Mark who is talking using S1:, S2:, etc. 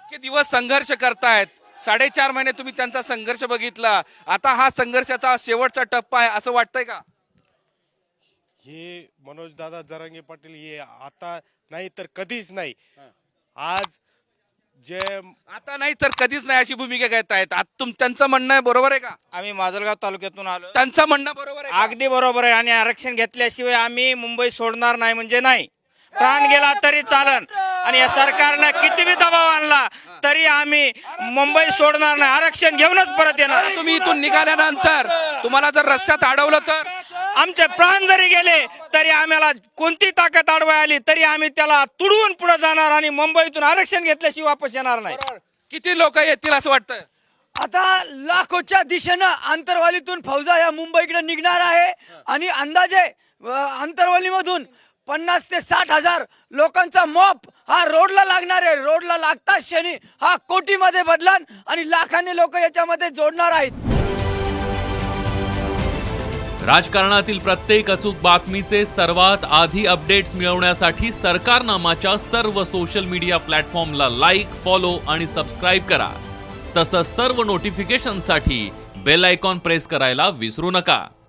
S1: इतके दिवस संघर्ष करतायत, 4.5 महिने तुम्ही त्यांचा संघर्ष बघितला, आता हा संघर्षाचा शेवटचा टप्पा आहे असं वाटतंय का?
S2: हे मनोज दादा जरांगे पाटील हे आता नाही तर कधीच नाही. आज जे
S1: आता नाही तर कधीच नाही अशी भूमिका घेत आहेत. आता त्यांचं म्हणणं आहे, बरोबर आहे का?
S3: आम्ही माजलगाव तालुक्यातून आलो.
S1: त्यांचं म्हणणं बरोबर आहे का?
S3: अगदी बरोबर आहे. आणि आरक्षण घेतल्याशिवाय आम्ही मुंबई सोडणार नाही म्हणजे नाही. प्राण गेला तरी चालन. आणि या सरकारनं किती बी दबाव आणला तरी आम्ही मुंबई सोडणार नाही. आरक्षण घेऊनच परत येणार.
S1: तुम्ही इथून निघाल्यानंतर तुम्हाला जर रस्त्यात अडवलं तर
S3: आमचे प्राण जरी गेले तरी आम्हाला कोणती ताकद अडवाय आली तरी आम्ही त्याला तुडवून पुढे जाणार आणि मुंबईतून आरक्षण घेतल्याशिवाय वापस येणार नाही.
S1: किती लोक येतील असं वाटतं?
S4: आता लाखोच्या दिशेनं आंतरवालीतून फौजा या मुंबईकडे निघणार आहे आणि अंदाजे आंतरवालीमधून 50 ते 60 हजार लोकांचा मॉप हा रोडला लागणार आहे. रोडला लागताच क्षणी हा कोटीमध्ये बदलान आणि लाखांनी लोक याच्यामध्ये जोडणार आहेत.
S5: राजकारणातील प्रत्येक अचूक बातमीचे सर्वात आधी अपडेट्स मिळवण्यासाठी सरकारनामाच्या सर्व सोशल मीडिया प्लॅटफॉर्मला लाईक, फॉलो आणि सबस्क्राईब करा. तसंच सर्व नोटिफिकेशनसाठी बेल आयकॉन प्रेस करायला विसरू नका.